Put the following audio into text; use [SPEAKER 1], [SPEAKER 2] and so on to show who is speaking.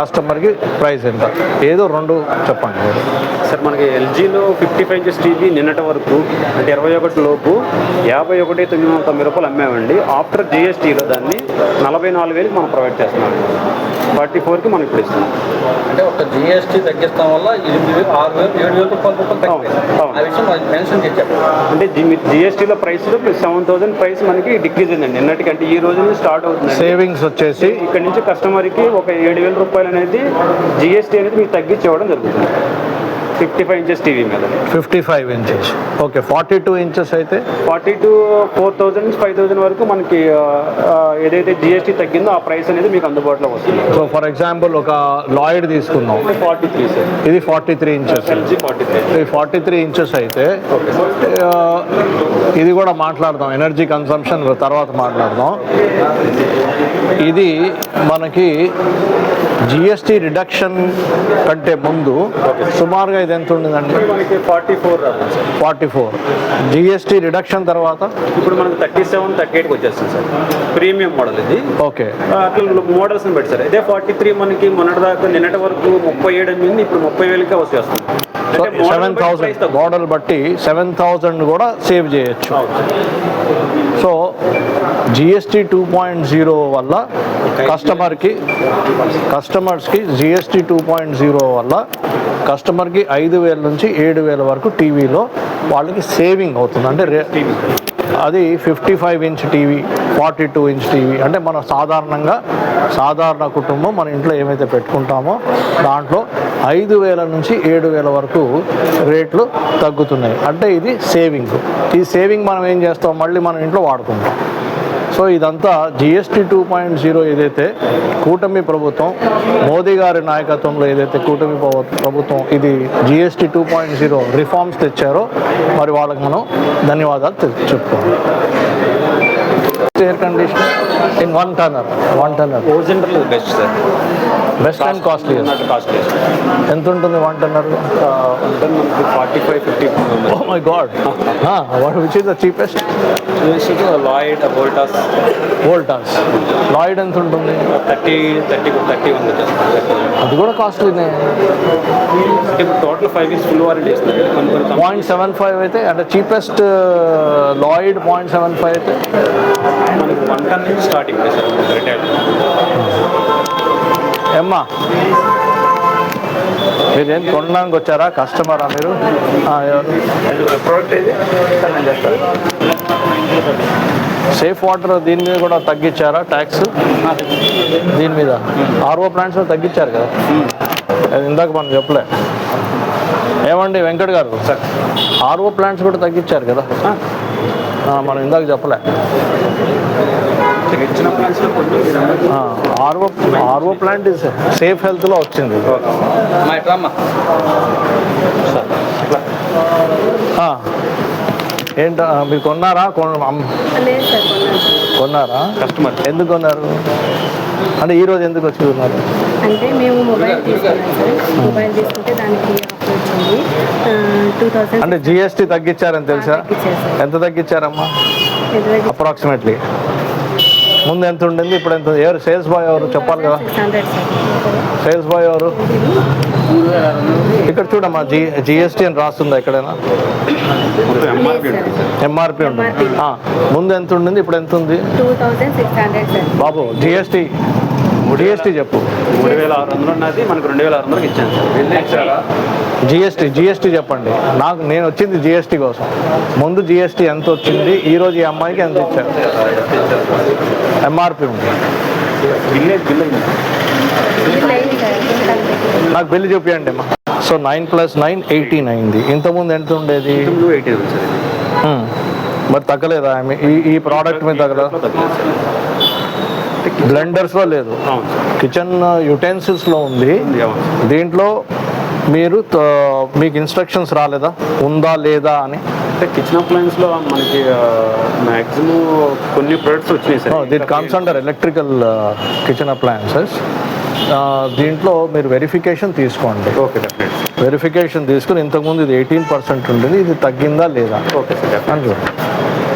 [SPEAKER 1] కస్టమర్కి ప్రైస్ ఎంత, ఏదో రెండు చెప్పండి
[SPEAKER 2] సార్. మనకి ఎల్జీలో 55 ఇంచెస్ టీవీ నిన్నటి వరకు అంటే 21 లోపు 51,990 రూపాయలు అమ్మామండి. ఆఫ్టర్ జిఎస్టీలో దాన్ని 44,000 మనం ప్రొవైడ్ చేస్తున్నాం. 44కి మనం ఇప్పుడు ఇస్తున్నాం.
[SPEAKER 3] అంటే ఒక జిఎస్టీ తగ్గిస్తాం వల్ల 8,000, 6,000, 7,000 రూపాయలు ఆ విషయం మెన్షన్ చేశారు.
[SPEAKER 2] అంటే జిఎస్టీలో ప్రైస్ ప్లస్ 7,000 ప్రైస్ మనకి డిక్రీజ్ అయిందండి నిన్నటికి. అంటే ఈ రోజు నుంచి స్టార్ట్ అవుతుంది.
[SPEAKER 1] సేవింగ్స్ వచ్చేసి
[SPEAKER 2] ఇక్కడ నుంచి కస్టమర్కి ఒక 7,000 రూపాయలు అనేది జిఎస్టీ అనేది మీకు తగ్గించి ఇవ్వడం జరుగుతుంది 55 ఇంచెస్ టీవీ మీద.
[SPEAKER 1] 55 ఇంచెస్ ఓకే. 42 ఇంచెస్ అయితే
[SPEAKER 2] 42 4,000 నుంచి 5,000 వరకు మనకి ఏదైతే జిఎస్టీ తగ్గిందో ఆ ప్రైస్ అనేది మీకు అందుబాటులో వస్తుంది.
[SPEAKER 1] సో ఫర్ ఎగ్జాంపుల్ ఒక లాయిడ్ తీసుకుందాం,
[SPEAKER 2] 43 సార్.
[SPEAKER 1] ఇది 43 ఇంచెస్.
[SPEAKER 2] ఎల్జీ 43.
[SPEAKER 1] ఇది 43 ఇంచెస్ అయితే ఇది కూడా మాట్లాడదాం, ఎనర్జీ కన్సంప్షన్ తర్వాత మాట్లాడదాం. ఇది మనకి జిఎస్టీ రిడక్షన్ కంటే ముందు సుమారుగా ఇది ఎంత ఉండదండి?
[SPEAKER 2] మనకి 44
[SPEAKER 1] జిఎస్టీ రిడక్షన్ తర్వాత
[SPEAKER 2] ఇప్పుడు మనకి 37, 38కి వచ్చేస్తుంది సార్. ప్రీమియం మోడల్ ఇది.
[SPEAKER 1] ఓకే.
[SPEAKER 2] అట్లా మోడల్స్ని పెట్టి సార్. ఇదే 43 మనకి మొన్నటి దాకా నిన్నటి వరకు 37 అయింది, ఇప్పుడు 30,000కే వచ్చేస్తుంది.
[SPEAKER 1] 7,000 మోడల్ బట్టి 7,000 కూడా సేవ్ చేయొచ్చు. సో జిఎస్టీ 2.0 వల్ల కస్టమర్స్కి జిఎస్టీ 2.0 వల్ల కస్టమర్కి 5,000 నుంచి 7,000 వరకు టీవీలో వాళ్ళకి సేవింగ్ అవుతుంది. అంటే అది 55 ఇంచ్ టీవీ, 42 ఇంచ్ టీవీ. అంటే మన సాధారణ కుటుంబం మన ఇంట్లో ఏమైతే పెట్టుకుంటామో దాంట్లో 5,000 నుంచి 7,000 వరకు రేట్లు తగ్గుతున్నాయి. అంటే ఇది సేవింగ్. ఈ సేవింగ్ మనం ఏం చేస్తాం, మళ్ళీ మనం ఇంట్లో వాడుకుంటాం. సో ఇదంతా జిఎస్టీ 2.0 ఏదైతే కూటమి ప్రభుత్వం మోదీ గారి నాయకత్వంలో ఏదైతే కూటమి ప్రభుత్వం ఇది జిఎస్టీ 2.0 రిఫార్మ్స్ తెచ్చారో మరి వాళ్ళకి మనం ధన్యవాదాలు చెప్పుకోవాలి. Air conditioner in one tonner
[SPEAKER 2] ఓజెండర్లో best sir.
[SPEAKER 1] Best and costly. ఎంత ఉంటుంది one tonner?
[SPEAKER 2] 45-50.
[SPEAKER 1] Oh my god. Which is the cheapest?
[SPEAKER 2] Lloyd
[SPEAKER 1] Voltas. Lloyd ఎంత ఉంటుంది?
[SPEAKER 2] 30 ఉంది.
[SPEAKER 1] అది కూడా కాస్ట్లీనే.
[SPEAKER 2] టోటల్ 5 ఇయర్స్ ఫుల్ వారంటీ ఇస్తారు.
[SPEAKER 1] 0.75 అయితే అంటే చీపెస్ట్ లాయిడ్ 0.75 అయితే
[SPEAKER 2] మనకి 1 టన్ నుంచి స్టార్టింగ్ సార్ రిటైల్.
[SPEAKER 1] ఏమ్మా మీరేం కొనడానికి వచ్చారా, కస్టమరా మీరు?
[SPEAKER 2] ప్రోడక్ట్ ఇది
[SPEAKER 1] సేఫ్ వాటర్ దీని మీద కూడా తగ్గించారా ట్యాక్స్? దీని మీద ఆర్ఓ ప్లాంట్స్ తగ్గించారు కదా, అది ఇందాక మనం చెప్పలే. ఏమండి వెంకట్ గారు, ఆర్ఓ ప్లాంట్స్ కూడా తగ్గించారు కదా, మనం ఇందాక చెప్పలే. ఆర్ఓ ప్లాంట్ సేఫ్ హెల్త్లో వచ్చింది. ఏంటో మీరు కొన్నారా? కొన్నారా?
[SPEAKER 2] కస్టమర్
[SPEAKER 1] ఎందుకు కొన్నారు? అంటే ఈరోజు ఎందుకు వచ్చి కొన్నారు?
[SPEAKER 4] అంటే మేము మొబైల్ తీసుకుంటే దానికి వచ్చింది 2,000.
[SPEAKER 1] అంటే జిఎస్టీ తగ్గించారని తెలుసా? ఎంత తగ్గించారమ్మా అప్రాక్సిమేట్లీ? ముందు ఎంత ఉండింది, ఇప్పుడు ఎంత? ఎవరు సేల్స్ బాయ్ ఎవరు చెప్పాలి కదా? సేల్స్ బాయ్ ఎవరు? ఇక్కడ చూడమ్మా, జిఎస్టీ అని రాస్తుందా ఎక్కడైనా? ఎంఆర్పి ఉంటుంది. ముందు ఎంత ఉండింది, ఇప్పుడు ఎంత ఉంది?
[SPEAKER 4] 2,600
[SPEAKER 1] బాబు జిఎస్టీ చెప్పు.
[SPEAKER 2] 3,600 ఉన్నది, మనకు 2,600కి ఇచ్చాను సార్.
[SPEAKER 1] జిఎస్టీ చెప్పండి నాకు. నేను వచ్చింది జిఎస్టీ కోసం. ముందు జిఎస్టీ ఎంత వచ్చింది, ఈరోజు ఈ అమ్మాయికి ఎంత ఇచ్చారు? ఎంఆర్పి ఉంది. నాకు బిల్లు చూపించండి అమ్మా. సో 9 + 9 18 అయింది. ఇంతకుముందు ఎంత ఉండేది?
[SPEAKER 2] 80 సార్.
[SPEAKER 1] మరి తగ్గలేదా ఈ ప్రోడక్ట్ మీద? తగ్గలేదా? బ్లెండర్స్లో లేదు, కిచెన్ యుటెన్సిల్స్లో ఉంది. దీంట్లో మీకు ఇన్స్ట్రక్షన్స్ రాలేదా ఉందా లేదా అని?
[SPEAKER 2] అంటే కిచెన్ అప్లయన్స్లో మనకి మ్యాక్సిమం కొన్ని ప్రొడక్ట్స్ వచ్చినాయి sir.
[SPEAKER 1] That comes under electrical kitchen appliances. దీంట్లో మీరు వెరిఫికేషన్ తీసుకోండి.
[SPEAKER 2] ఓకే, డెఫినెట్లీ
[SPEAKER 1] వెరిఫికేషన్ తీసుకుని ఇంతకుముందు ఇది 18% ఉండేది, ఇది తగ్గిందా లేదా?
[SPEAKER 2] ఓకే సార్,
[SPEAKER 1] అని చూడండి.